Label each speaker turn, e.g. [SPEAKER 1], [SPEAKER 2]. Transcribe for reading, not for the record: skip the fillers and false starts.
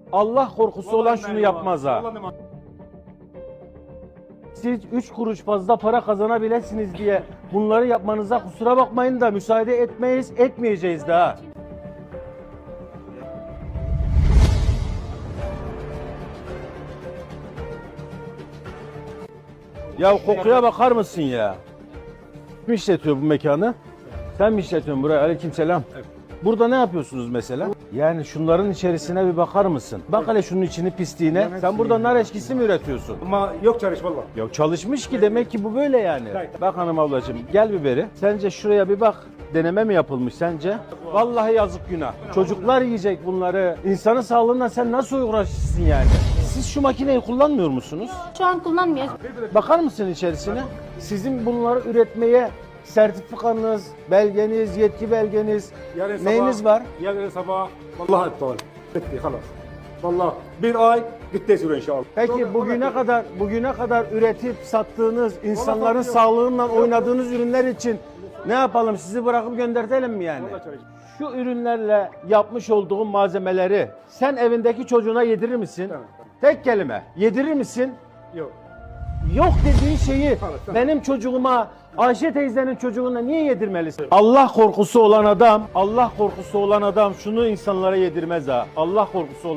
[SPEAKER 1] Allah korkusu olan şunu
[SPEAKER 2] Vallahi
[SPEAKER 1] yapmaz ha.
[SPEAKER 2] vallahi
[SPEAKER 1] Siz 3 kuruş fazla para kazanabilirsiniz diye bunları yapmanıza kusura bakmayın da müsaade etmeyiz, etmeyeceğiz daha. Ya kokuya bakar mısın ya? Kim işletiyor bu mekanı? Sen mi işletiyorsun burayı? Aleykümselam.
[SPEAKER 2] Evet.
[SPEAKER 1] Burada ne yapıyorsunuz mesela? Yani şunların içerisine bir bakar mısın? Bak hele şunun içini pisliğine. Sen burada nar eşkisi mi üretiyorsun?
[SPEAKER 2] Ama yok çalış valla.
[SPEAKER 1] Ya çalışmış ki demek ki bu böyle yani.
[SPEAKER 2] Evet.
[SPEAKER 1] Bak hanım ablacığım gel biberi. Sence şuraya bir bak. Deneme mi yapılmış sence? Vallahi yazık günah. Çocuklar yiyecek bunları. İnsanın sağlığından sen nasıl uğraşırsın yani? Siz şu makineyi kullanmıyor musunuz?
[SPEAKER 3] Şu an kullanmıyoruz.
[SPEAKER 1] Bakar mısın içerisine? Sizin bunları üretmeye sertifikanız, belgeniz, yetki belgeniz, neyiniz var?
[SPEAKER 2] Yarın sabah vallahi iptal. Bitti halas. Vallahi bir ay bitti süre inşallah.
[SPEAKER 1] Peki bugüne kadar üretip sattığınız, insanların sağlığından oynadığınız ürünler için ne yapalım? Sizi bırakıp göndertelim mi yani? Şu ürünlerle yapmış olduğum malzemeleri sen evindeki çocuğuna yedirir misin?
[SPEAKER 2] Tamam.
[SPEAKER 1] Tek kelime. Yedirir misin?
[SPEAKER 2] Yok.
[SPEAKER 1] Yok dediğin şeyi
[SPEAKER 2] Tamam.
[SPEAKER 1] benim çocuğuma, Ayşe teyzenin çocuğuna niye yedirmelisin? Allah korkusu olan adam şunu insanlara yedirmez ha. Allah korkusu olan